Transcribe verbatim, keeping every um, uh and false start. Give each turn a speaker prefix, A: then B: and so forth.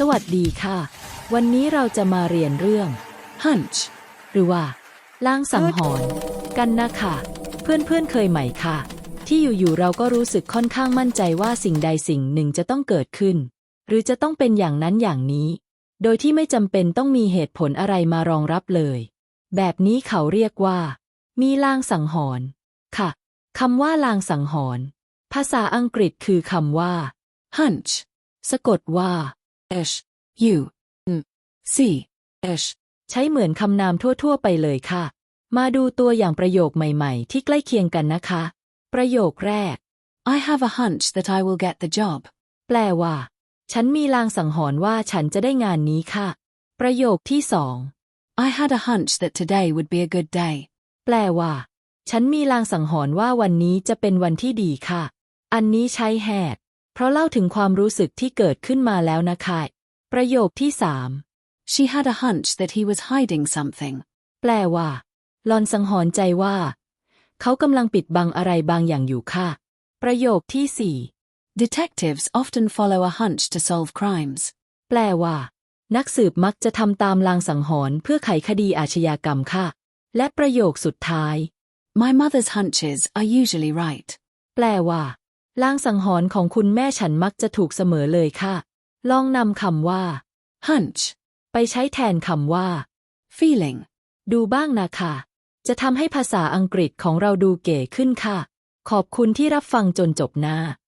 A: วัสดีค่ะวันนี้เราจะมาเรียนเรื่อง hunch หรือว่าลางสังหรณ์กันนะคะเพื่อนๆเคยไหมค่ะที่อยู่ๆเราก็รู้สึกค่อนข้างมั่นใจว่าสิ่งใดสิ่งหนึ่งจะต้องเกิดขึ้นหรือจะต้องเป็นอย่างนั้นอย่างนี้โดยที่ไม่จำเป็นต้องมีเหตุผลอะไรมารองรับเลยแบบนี้เขาเรียกว่ามีลางสังหรณ์ค่ะคำว่าลางสังหรณ์ภาษาอังกฤษคือคำว่า hunch สะกดว่า h u n c h ใช้เหมือนคำนามทั่วๆไปเลยค่ะมาดูตัวอย่างประโยคใหม่ๆที่ใกล้เคียงกันนะคะประโยคแรก I have a hunch that I will get the job แปลว่าฉันมีลางสังหรณ์ว่าฉันจะได้งานนี้ค่ะประโยคที่สอง I had a hunch that today would be a good day แปลว่าฉันมีลางสังหรณ์ว่าวันนี้จะเป็นวันที่ดีค่ะอันนี้ใช้ had เพราะเล่าถึงความรู้สึกที่เกิดขึ้นมาแล้วนะคะประโยคที่สาม She had a hunch that he was hiding something แปลว่าหล่อนสังหรณ์ใจว่าเขากำลังปิดบังอะไรบางอย่างอยู่ค่ะประโยคที่สี่ Detectives often follow a hunch to solve crimes แปลว่านักสืบมักจะทำตามลางสังหรณ์เพื่อไขคดีอาชญากรรมค่ะและประโยคสุดท้าย My mother's hunches are usually right แปลว่าลางสังหรณ์ของคุณแม่ฉันมักจะถูกเสมอเลยค่ะลองนำคำว่า hunch ไปใช้แทนคำว่า feeling ดูบ้างนะคะจะทำให้ภาษาอังกฤษของเราดูเก๋ขึ้นค่ะขอบคุณที่รับฟังจนจบหน้า